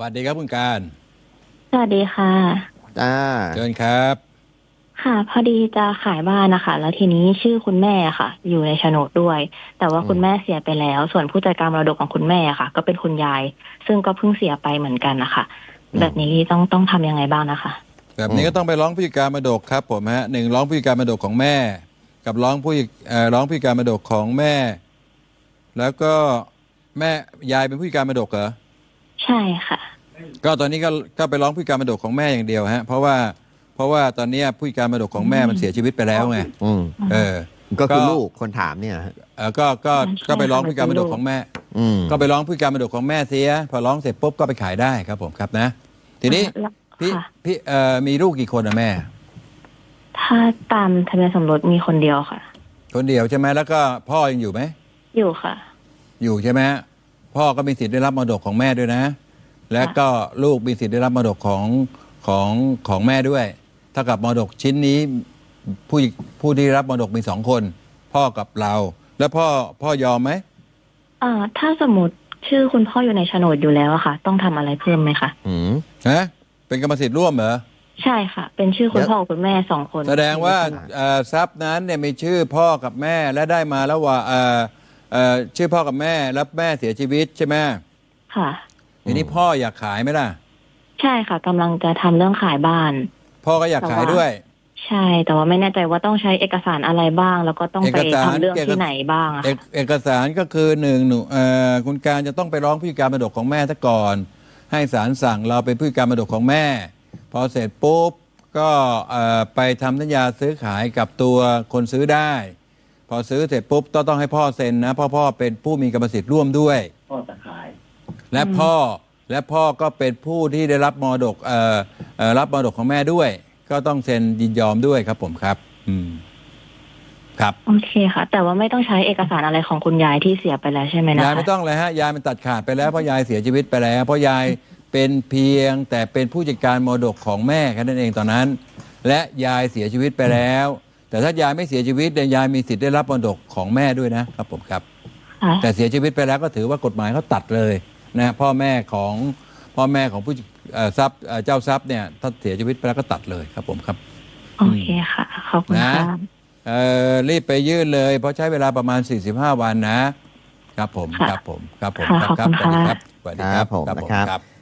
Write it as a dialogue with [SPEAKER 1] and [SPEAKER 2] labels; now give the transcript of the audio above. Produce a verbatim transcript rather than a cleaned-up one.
[SPEAKER 1] วัสดีครับคุณการ
[SPEAKER 2] สวัสดีค่ะ
[SPEAKER 3] จ้า
[SPEAKER 1] เชิญครับ
[SPEAKER 2] ค่ะพอดีจะขายบ้านนะคะแล้วทีนี้ชื่อคุณแม่ค่ะอยู่ในโฉนดด้วยแต่ว่าคุณแม่เสียไปแล้วส่วนผู้จัดการมรดกของคุณแม่ค่ะก็เป็นคุณยายซึ่งก็เพิ่งเสียไปเหมือนกันนะคะแบบนี้ต้องต้องทำยังไงบ้างนะคะ
[SPEAKER 1] แบบนี้ก็ต้องไปร้องผู้จัดการมรดกครับผมฮะหนึ่งร้องผู้จัดการมรดกของแม่ กับร้องผู้เอ่อร้องผู้จัดการมรดกของแม่ แล้วก็แม่ยายเป็นผู้จัดการมรดกเหรอ
[SPEAKER 2] ใช่ค่ะ
[SPEAKER 1] ก็ตอนนี้ก็ก็ไปร้องผู้จัดการมรดกของแม่อย่างเดียวฮะเพราะว่าเพราะว่าตอนนี้ผู้จัดการมรดกของแม่มันเสียชีวิตไปแล้วไง
[SPEAKER 3] อืม
[SPEAKER 1] เออ
[SPEAKER 3] ก็คือลูกคนถามเนี่ย
[SPEAKER 1] เออก็ก็ก็ไปร้องผู้จัดการมรดกของแม่ก็ไปร้องผู้จัดการมรดกของแม่เสียพอร้องเสร็จปุ๊บก็ไปขายได้ครับผมครับนะทีนี้พี่พี่เอ่อมีลูกกี่คนอะแม่
[SPEAKER 2] ถ้าตามทะเบียนสมรสมีคนเดียวค่ะ
[SPEAKER 1] คนเดียวใช่ไหมแล้วก็พ่อยังอยู่ไหม
[SPEAKER 2] อยู่ค่ะ
[SPEAKER 1] อยู่ใช่ไหมพ่อก็มีสิทธิ์ได้รับมรดกของแม่ด้วยนะและก็ลูกมีสิทธิ์ได้รับมรดกของของของแม่ด้วยเท่ากับมรดกชิ้นนี้ผู้ผู้ที่รับมรดกมีสองคนพ่อกับเราแล้วพ่อพ่อยอมไหม
[SPEAKER 2] อ่าถ้าสมมติชื่อคุณพ่ออยู่ในโฉนดอยู่แล้วอะค่ะต้องทำอะไรเพิ่มไหมคะ
[SPEAKER 1] อืมฮะเป็นกรรมสิทธิ์ร่วมเหรอ
[SPEAKER 2] ใช่ค่ะเป็นชื่อคุณพ่อคุณแม่สองคน
[SPEAKER 1] แสดงว่าทรัพย์นั้นเนี่ยมีชื่อพ่อกับแม่และได้มาแล้วว่าชื่อพ่อกับแม่แล้วแม่เสียชีวิตใช่ไหม
[SPEAKER 2] ค่ะ
[SPEAKER 1] ทีนี้พ่ออยากขายไหมล่ะ
[SPEAKER 2] ใช่ค่ะกำลังจะทำเรื่องขายบ้าน
[SPEAKER 1] พ่อก็อยากขายด้วย
[SPEAKER 2] ใช่แต่ว่าไม่แน่ใจว่าต้องใช้เอกสารอะไรบ้างแล้วก็ต้องไปทำเรื่องที่ไหนบ้างอะ
[SPEAKER 1] เอกสารก็คือหนึ่งหนูคุณการจะต้องไปร้องผู้จัดการมรดกของแม่ซะก่อนให้ศาลสั่งเราเป็นผู้จัดการมรดกของแม่พอเสร็จปุ๊บก็ไปทำสัญญาซื้อขายกับตัวคนซื้อได้พอซื้อเสร็จปุ๊บต้องต้องให้พ่อเซ็นนะพ่อพ่อเป็นผู้มีกรรมสิทธิ์ร่วมด้วย
[SPEAKER 3] พ่อจะขาย
[SPEAKER 1] และพ่อและพ่อก็เป็นผู้ที่ได้รับมรดกรับมรดกของแม่ด้วยก็ต้องเซ็นยินยอมด้วยครับผมครับอืมครับ
[SPEAKER 2] โอเคค่ะแต่ว่าไม่ต้องใช้เอกสารอะไรของคุณยายที่เสียไปแล้วใช่ไหมนะคะ
[SPEAKER 1] ยายไม่ต้องเลยฮะยายมันตัดขาดไปแล้วเพราะยายเสียชีวิตไปแล้วเพราะยายเป็นเพียงแต่เป็นผู้จัดการมรดกของแม่แค่นั้นเองตอนนั้นและยายเสียชีวิตไปแล้วแต่ถ้ายายไม่เสียชีวิตเนี่ยยายมีสิทธิ์ได้รับมรดกของแม่ด้วยนะครับผมครับแต่เสียชีวิตไปแล้วก็ถือว่ากฎหมายเขาตัดเลยนะพ่อแม่ของพ่อแม่ของผู้ทรัพย์เจ้าทรัพย์เนี่ยถ้าเสียชีวิตไปแล้วก็ตัดเลยครับผมครับ
[SPEAKER 2] โอเคค่ะขอบคุณค่ะ
[SPEAKER 1] รีบไปยื่นเลยเพราะใช้เวลาประมาณสี่สิบห้าวันนะครับผมครับผมครับผมครับครับสวัสดีครับสวัสดีครับ
[SPEAKER 3] ผมนะครับ